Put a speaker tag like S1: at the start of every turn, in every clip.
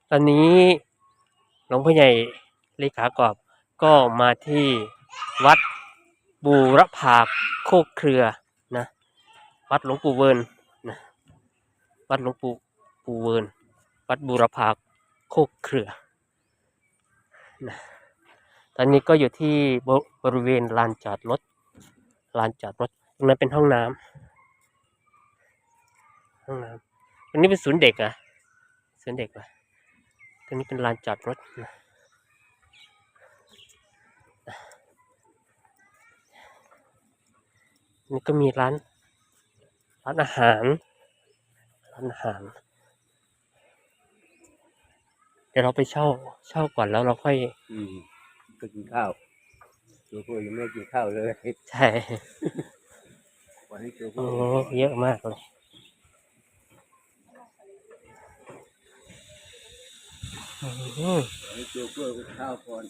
S1: ตอนนี้หลวงพ่อใหญ่เลขากอบก็มาที่วัดบูรพาโคกเครือนะวัดหลวงปู่เวิร์นนะวัดหลวงปู่เวิร์นวัดบูรพาโคกเครือนะตอนนี้ก็อยู่ที่บริเวณลานจอดรถตรงนั้นเป็นห้องน้ำตรงนี้เป็นศูนย์เด็กอ่ะศูนย์เด็กอ่ะตรงนี้เป็นลานจอดรถนะนี่ก็มีร้านอาหารเดี๋ยวเราไปเช่าก่อนแล้วเราค่อย
S2: ไปกินข้าวตัวพ่อยังไม่กินข้าวเลย
S1: ใช่
S2: วันนี้ตัวพ่
S1: โอ้
S2: อ
S1: เยอะมากเลย
S2: วันนี้ตัวพ่อกินข้าวก่อน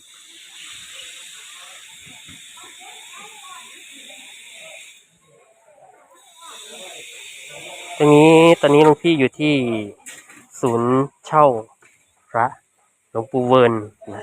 S1: ตอนนี้หลวงพี่อยู่ที่ศูนย์เช่าพระหลวงปู่เวิร์นนะ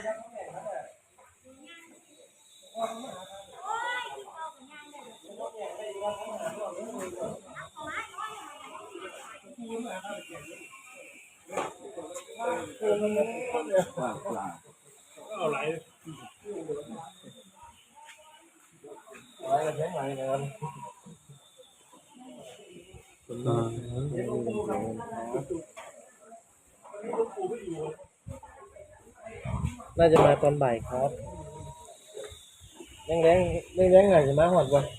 S3: น่าจะมาตอนบ่ายครับแรงหน่อยจะมาหอดวัน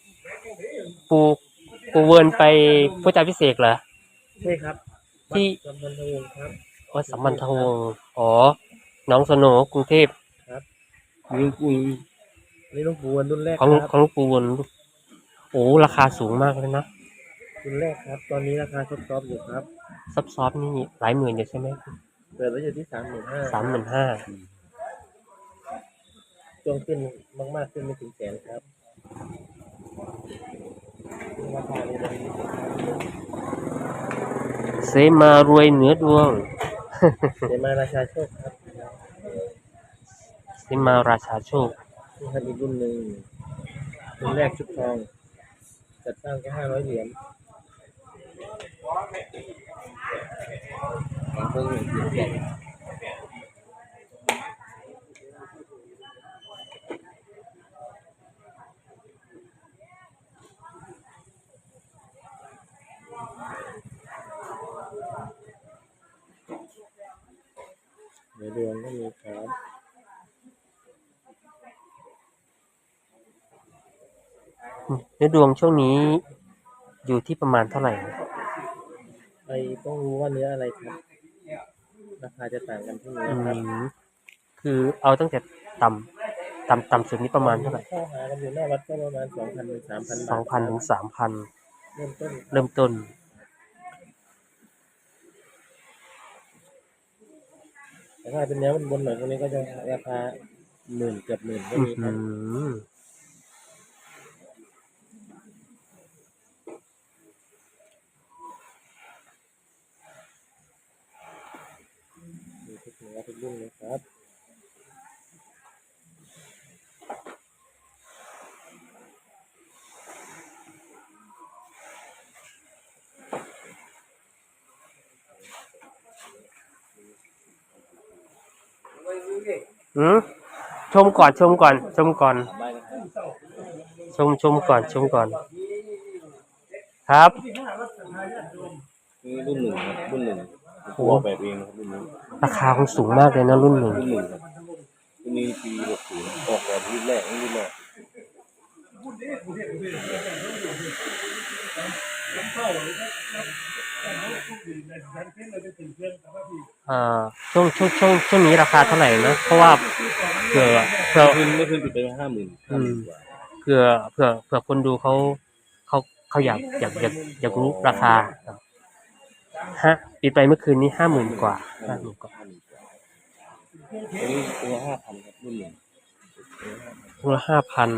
S1: ปู่เวิร์นไปพุทธาพิเศษกเหรอ
S3: ใช่ครับ
S1: ที่
S3: สัมพันธวงศ์ครับ
S1: วัดสัมพันธวงศ์อ๋อหนองสโหนกรุงเทพ
S2: ลุงปุย
S3: นี่หลวงปู่วันรุ่นแรก
S1: ของ
S3: ครับ
S1: หลวงปู่เวิร์นโอ้ราคาสูงมากเลยนะ
S3: รุ่นแรกครับ ตอนนี้ราคาซอฟๆอยู่ครับ
S1: ซอฟนี่หลายหมื่นอยู่ใช่ไหม
S3: เปิดไว้อยู่ที่35,000
S1: 35,000
S3: ช่วงขึ้นมากๆขึ้นไม่ถึงแสนครับราคานี้เลย
S1: เสมารวยเหนือดวง
S3: เดี๋ยวมาราชาโชคครับ
S1: เสมาราชาโชค
S3: นี่ครับอีกรุ่นหนึ่งรุ่นแรกชุดทองจัดสร้างแค่500 เหรียญของเพิ่ง1 เหรียญในดวงก็มีครับ
S1: เนื้อดวงช่วงนี้อยู่ที่ประมาณเท่าไหร่
S3: ไปต้องรู้ว่าเนื้ออะไรครับ ราคาจะต่างกันที่เนื้อครับ
S1: คือเอาตั้งแต่ต่ำสุดนี้ประมาณเท่าไหร่
S3: เข้าหากันอยู่หน้าวัดก็ประมาณ 2,000 ถึง 3,000 บาท
S1: 2,000 ถึง 3,000
S3: เริ่มต้น
S1: เริ่มต้น
S3: แต่ถ้าเป็นเนื้อบนๆหน่อยพวกนี้ก็จะราคา10,000เกือบ10,000ก็มีครับมีทุกเนื้อทุกรุ่นเลยครับ
S1: ชมก่อนชมก่อนชมก่อนครับ
S2: นี่รุ่นหนึ่งครับรุ่นหนึ่งตัวออกแบบเองนะครับรุ่นนี้
S1: ราคาคงสูงมากเลยนะรุ่นหนึ่ง
S2: รุ่นหนึ่งครับรุ่นนี้ปี60ออกแบบรุ่นแรกรุ่นแรก
S1: ช่วงนี้ราคาเท่าไหร่นะเพราะว่าเผื่อ
S2: ไม่ขึ้นติดไป50,000 กว่า
S1: เผื่อคนดูเขาอยากรู้ราคาปิดไปเมื่อคืนนี้50,000 กว่า
S2: อันนี้ตัว5,000ครับรุ่นหนึ่ง
S1: ตัวละ 5,000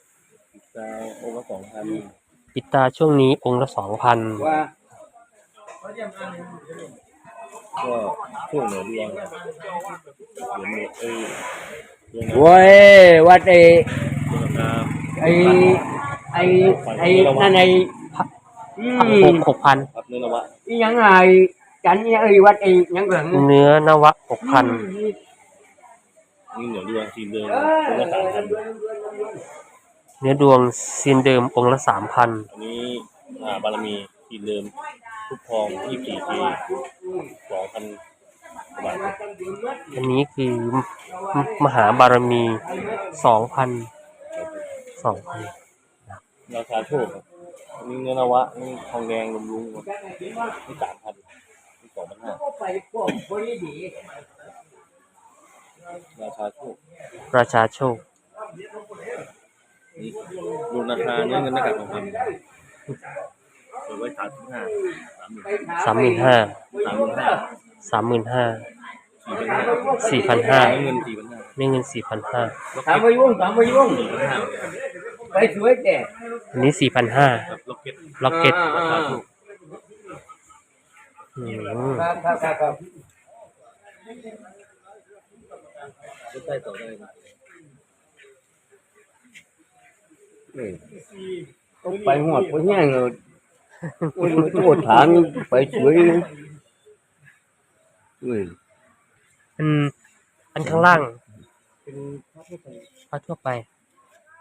S2: ดาวองค์ละ2,000
S1: ปิดตาช่วงนี้องค์ละ 2,000
S2: ว่าก็ช่วงเหนือดวงเหนือดวง
S4: โว้ยวัด
S2: ดวงนา
S4: ไอ้ไอ้ไอ้นั่นไอ้อื
S1: 6,000
S2: ครับเนื้อนวะ
S4: อีหยังไงจันนี่ไอ้วัดไอ้หยังเหลือง
S1: เนื้อนวะ 6,000
S2: นี่เหนือดวงทีเดิมตัวละ3,000
S1: เนื้อดวงซีนเดิมองค์ละ 3,000
S2: อันนี้บารมีทีเดิมทุกทอง24 ปี 2,000 กว่าบาทครับ
S1: อันนี้คือมหาบารมี 2,000
S2: ราคาโชคครับอันนี้เนื้อนวะนี่ทองแดงลุงๆครับนี่3,000นี่2,500ราคาโชค
S1: ราชาโชค
S2: นี่ดูราคาเนื้อเงินหน้ากากทองคำเปิดไว้35,000
S1: 35,000
S2: 4,500
S1: 4,500
S2: เงิน 4,500
S1: เงิน 4,500
S4: ถามมายุ่งไปสวยแต่
S1: อันนี้ 4,500
S2: ครับล็อกเก็ต
S1: ล็อกเก็ต
S2: ราคาถูก
S4: ครับ
S2: ใต้ต่อได้ครับ
S4: ต้องไปหอดไปแห้งเลยโอ้ยมันตัวถางไปสวยเว้ย
S1: อันข้างล่างเป็นพระทั่วไป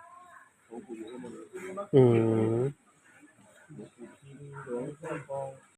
S1: อืม